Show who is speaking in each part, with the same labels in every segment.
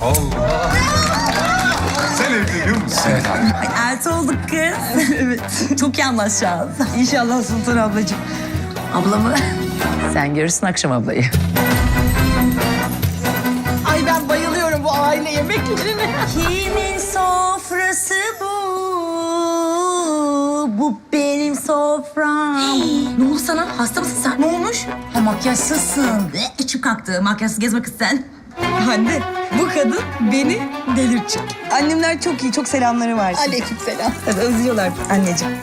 Speaker 1: Allah. Sen evleniyor musun?
Speaker 2: Evet abi.
Speaker 3: Ay, elti olduk kız. Evet. Çok iyi anlaşacağız.
Speaker 4: İnşallah Sultan ablacığım.
Speaker 3: Ablamı.
Speaker 5: Sen görürsün akşam ablayı.
Speaker 4: Ay ben bayılıyorum bu aile yemeklerine.
Speaker 3: Kimin sofrası bu? Bu benim sofram. Ne oldu sana? Hasta mısın sen? Ne olmuş? Ha, makyajsızsın. İçim kalktı. Makyajsız gezme kız sen.
Speaker 4: Anne bu kadın beni delirtecek. Annemler çok iyi, çok selamları var.
Speaker 3: Aleykümselam.
Speaker 4: Evet, özlüyorlar anneciğim.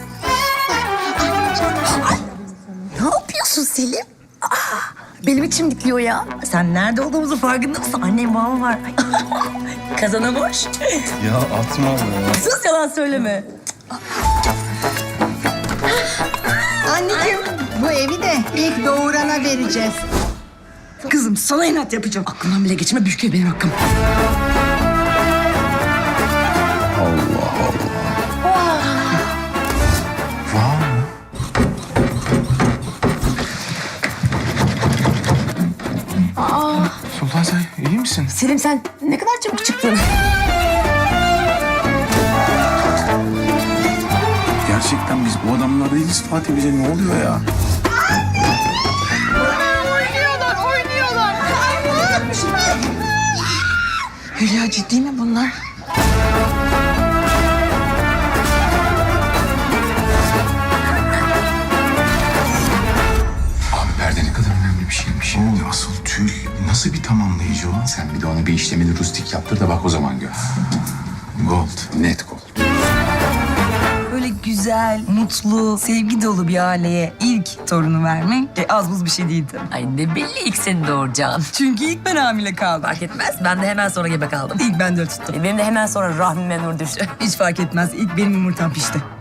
Speaker 3: Ne yapıyorsun Selim? Benim içim dikliyor ya. Sen nerede olduğumuzu farkında mısın? Annem babam var. Ay. Kazana boş.
Speaker 1: Ya atma be.
Speaker 3: Sus, yalan söyleme.
Speaker 6: Anneciğim bu evi de ilk doğurana vereceğiz.
Speaker 4: Kızım sana inat yapacağım.
Speaker 3: Aklımdan bile geçme, büyük benim hakkım.
Speaker 2: Sultan sen iyi misin?
Speaker 3: Selim sen ne kadar çabuk çıktın.
Speaker 2: Gerçekten biz bu adamlar değiliz Fatih, bize ne oluyor ya?
Speaker 4: Hülya ciddi mi bunlar?
Speaker 2: Abi perde ne kadar önemli bir şeymiş. O asıl tül nasıl bir tamamlayıcı o? Sen bir de ona bir işlemeli rustik yaptır da bak o zaman gör. Gold, net gold.
Speaker 4: Böyle güzel, mutlu, sevgi dolu bir aileye ilk torunu vermek az buz bir şey değildi.
Speaker 5: Ay ne belli ilk seni doğuracaksın.
Speaker 4: Çünkü ilk ben hamile kaldım.
Speaker 5: Fark etmez. Ben de hemen sonra gebe kaldım.
Speaker 4: İlk ben de tuttum.
Speaker 5: Benim de hemen sonra rahmime nur düştü.
Speaker 4: Hiç fark etmez. İlk benim yumurtam pişti.